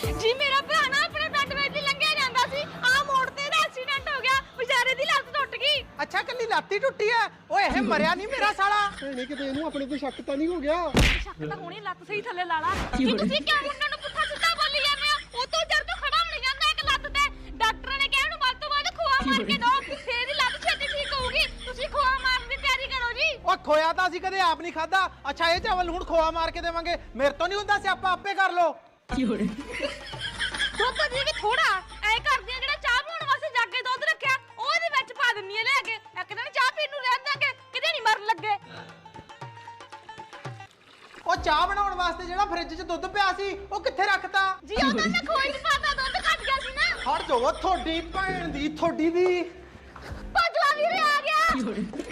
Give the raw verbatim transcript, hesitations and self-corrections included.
ਜੀ ਮੇਰਾ ਭਰਾ ਨਾ ਆਪਣੇ ਪਿੰਡ ਵਿੱਚ ਦੀ ਲੰਘਿਆ ਜਾਂਦਾ ਸੀ ਆ ਮੋੜ ਤੇ ਦਾ ਐਕਸੀਡੈਂਟ ਹੋ ਗਿਆ ਵਿਚਾਰੇ ਦੀ ਲੱਤ ਟੁੱਟ ਗਈ। ਅੱਛਾ ਕੱਲੀ ਲਾਤੀ ਟੁੱਟੀ ਐ ਓਏ ਇਹ ਮਰਿਆ ਨਹੀਂ ਮੇਰਾ ਸਾਲਾ। ਭੈਣੇ ਕਿਤੇ ਇਹਨੂੰ ਆਪਣੇ ਤੇ ਸ਼ੱਕ ਤਾਂ ਨਹੀਂ ਹੋ ਗਿਆ? ਸ਼ੱਕ ਤਾਂ ਹੋਣੀ ਲੱਤ ਸਹੀ ਥੱਲੇ ਲਾ ਲਾ। ਜੀ ਤੁਸੀਂ ਕਿਉਂ ਮੁੰਡੇ ਨੂੰ ਪੁੱਠਾ ਸਿੱਧਾ ਬੋਲੀ ਜਾਂਦੇ ਹੋ? ਉਹ ਤੋਂ ਜਰ ਤੋਂ ਖੜਾ ਹੋ ਨਹੀਂ ਜਾਂਦਾ ਇੱਕ ਲੱਤ ਤੇ। ਡਾਕਟਰ ਨੇ ਕਿਹਾ ਇਹਨੂੰ ਵੱਧ ਤੋਂ ਵੱਧ ਖੋਆ ਮਾਰ ਕੇ ਦੋ ਫੇਰ ਹੀ ਲੱਤ ਛੇਤੀ ਠੀਕ ਹੋਊਗੀ। ਤੁਸੀਂ ਖੋਆ ਮਾਰਨ ਦੀ ਤਿਆਰੀ ਕਰੋ ਜੀ। ਓ ਖੋਇਆ ਤਾਂ ਅਸੀਂ ਕਦੇ ਆਪ ਨਹੀਂ ਖਾਦਾ। ਅੱਛਾ ਇਹ ਚਾਵਲ ਹੁਣ ਖੋਆ ਮਾਰ ਕੇ ਦੇਵਾਂਗੇ ਮੇਰੇ ਤੋਂ ਨਹੀਂ ਹੁੰਦਾ ਸਿਆਪਾ ਆਪੇ ਕਰ ਲੋ। ਦੁੱਧ ਦੀ ਵੀ ਥੋੜਾ ਐ ਕਰਦੀਆਂ ਜਿਹੜਾ ਚਾਹ ਬਣਾਉਣ ਵਾਸਤੇ ਜੱਗ ਕੇ ਦੁੱਧ ਰੱਖਿਆ ਉਹਦੇ ਵਿੱਚ ਪਾ ਦਿੰਨੀ ਐ ਲੈ ਕੇ। ਇੱਕ ਦਿਨ ਚਾਹ ਪੀਣ ਨੂੰ ਰਹਿਣ ਦਾਂਗੇ ਕਿਤੇ ਨਹੀਂ ਮਰਨ ਲੱਗੇ। ਉਹ ਚਾਹ ਬਣਾਉਣ ਵਾਸਤੇ ਜਿਹੜਾ ਫ੍ਰਿਜ 'ਚ ਦੁੱਧ ਪਿਆ ਸੀ ਉਹ ਕਿੱਥੇ ਰੱਖਤਾ? ਜੀ ਉਹਨਾਂ ਨੇ ਖੋਏ 'ਚ ਪਾਤਾ ਦੁੱਧ ਘਟ ਗਿਆ ਸੀ ਨਾ। ਹਟ ਜਾਓ ਤੁਹਾਡੀ ਭੈਣ ਦੀ ਤੁਹਾਡੀ ਦੀ ਭਜਵਾ ਵੀਰੇ ਆ ਗਿਆ।